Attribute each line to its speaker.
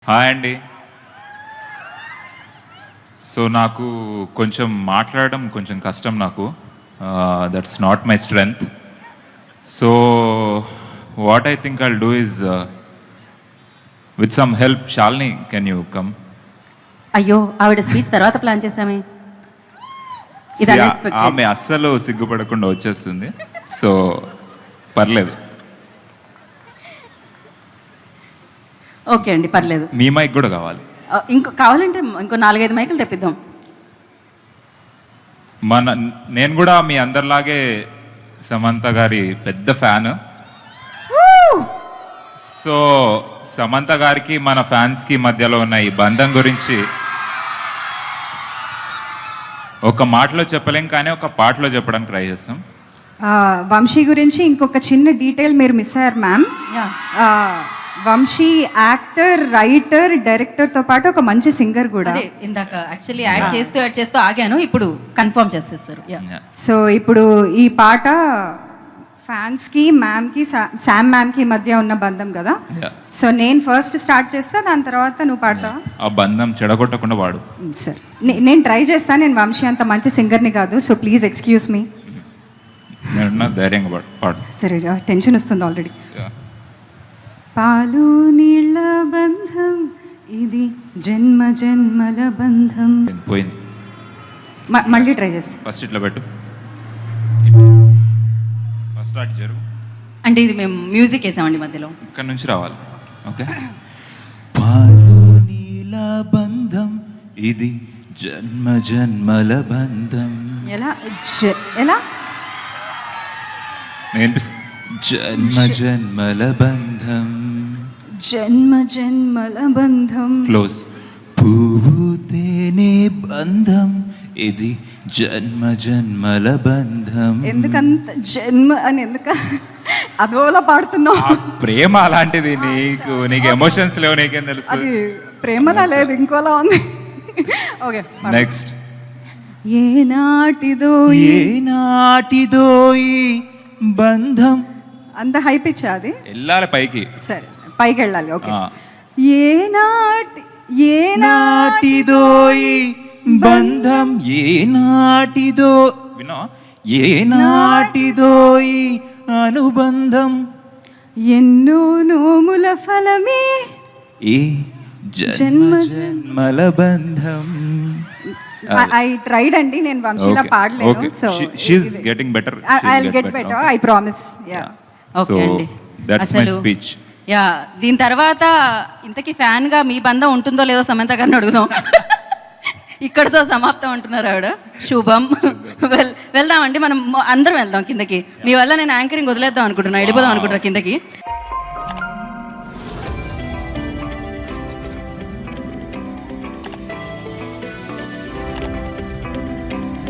Speaker 1: Hi అండి. So నాకు కొంచెం మాట్లాడడం కొంచెం కష్టం. నాకు that's not my strength. So what I think I'll do is with some help. Shalini, can you come?
Speaker 2: అయ్యో, ఆవిడ స్పీచ్ తర్వాత ప్లాన్ చేసామే. ఇది unexpected.
Speaker 1: ఆమె అస్సలు సిగ్గుపడకుండా వచ్చేస్తుంది. సో పర్లేదు.
Speaker 2: ఓకే అండి, పర్లేదు.
Speaker 1: మీ మైక్ కూడా కావాలి.
Speaker 2: ఇంకో కావాలంటే ఇంకో 4-5 మైకులు తెప్పిద్దాం.
Speaker 1: నేను కూడా మీ అందరిలాగే సమంత గారి పెద్ద ఫ్యాన్. సో సమంత గారికి మన ఫ్యాన్స్కి మధ్యలో ఉన్న ఈ బంధం గురించి ఒక మాటలో చెప్పలేం, కానీ ఒక పాటలో చెప్పడానికి ట్రై చేస్తాం.
Speaker 3: వంశీ గురించి ఇంకొక చిన్న డీటెయిల్ మీరు మిస్ అయ్యారు మ్యామ్. వంశీ యాక్టర్, రైటర్, డైరెక్టర్తో పాటు ఒక మంచి సింగర్ కూడా.
Speaker 2: అదే ఇందాక యాక్చువల్లీ యాడ్ చేస్తూ ఆగాను, ఇప్పుడు కన్ఫర్మ్ చేసేస్తారు.
Speaker 3: సో ఇప్పుడు ఈ పాట ఫ్యాన్స్కి, మ్యామ్కి, శామ్ మ్యామ్కి మధ్య ఉన్న బంధం కదా. సో నేను ఫస్ట్ స్టార్ట్ చేస్తా, దాని తర్వాత నువ్వు పాడతావా?
Speaker 1: ఆ బంధం చెడగొట్టకుండా వాడు.
Speaker 3: సరే, నేను ట్రై చేస్తాను. నేను వంశీ అంత మంచి సింగర్ని కాదు, సో ప్లీజ్ ఎక్స్క్యూజ్ మీ.
Speaker 1: నేను ధైర్యంగా పాడు.
Speaker 3: సరే, టెన్షన్ వస్తుంది ఆల్రెడీ. పాలు నీళ్ళ బంధం ఇది, జన్మ జన్మల బంధం.
Speaker 1: పోయింది.
Speaker 3: మళ్ళీ ట్రై చేస్తా.
Speaker 1: ఫస్ట్ ఇట్లా పెట్టు, ఫస్ట్ స్టార్ట్ జరుగు.
Speaker 2: అంటే ఇది మేము మ్యూజిక్ వేసామండి మధ్యలో,
Speaker 1: ఇక్కడ నుంచి రావాలి. ఓకే. పాలు నీళ్ళ బంధం ఇది, జన్మ జన్మల బంధం.
Speaker 3: ఎలా ఎలా
Speaker 1: జన్మ జన్మల బంధం,
Speaker 3: జన్మ జన్మల బంధం.
Speaker 1: క్లోజ్. పువ్వు తేనె బంధం ఇది, జన్మ జన్మల బంధం.
Speaker 3: ఎందుకంత జన్మ అని అదోలా పాడుతున్నావు?
Speaker 1: ప్రేమ అలాంటిది. నీకు ఎమోషన్స్ లేవు, నీకేం తెలుసు?
Speaker 3: అది ప్రేమలా లేదు, ఇంకోలా ఉంది. Okay,
Speaker 1: next.
Speaker 3: ఏనాటిదో
Speaker 1: ఏనాటిదో ఈ బంధం.
Speaker 3: అంత హై పిచ్ అది,
Speaker 1: వెళ్ళాలి పైకి.
Speaker 3: సరే పైకి వెళ్ళాలి. ఓకే.
Speaker 1: ఏనాటిదో ఈ బంధం, ఏనాటిదో వినో, ఏనాటిదో ఈ అనుబంధం,
Speaker 3: ఎన్నో నోముల ఫలమే
Speaker 1: ఈ జన్మ జన్మల బంధం.
Speaker 3: ఐ ట్రైడ్ అండి, నేను వంశీలా పాడలేను. So
Speaker 1: she is getting better.
Speaker 3: I will get better, I promise. Yeah,
Speaker 2: okay అండి.
Speaker 1: That's my speech.
Speaker 2: యా, దీని తర్వాత ఇంతకీ ఫ్యాన్ గా మీ బంధం ఉంటుందో లేదో సమంత గారిని అడుగుదాం. ఇక్కడతో సమాప్తం అంటున్నారు ఆవిడ. శుభం. వెళ్దామండి, మనం అందరం వెళ్దాం కిందకి. మీ వల్ల నేను యాంకరింగ్ వదిలేద్దాం అనుకుంటున్నా, వెళ్ళిపోదాం అనుకుంటున్నా కిందకి.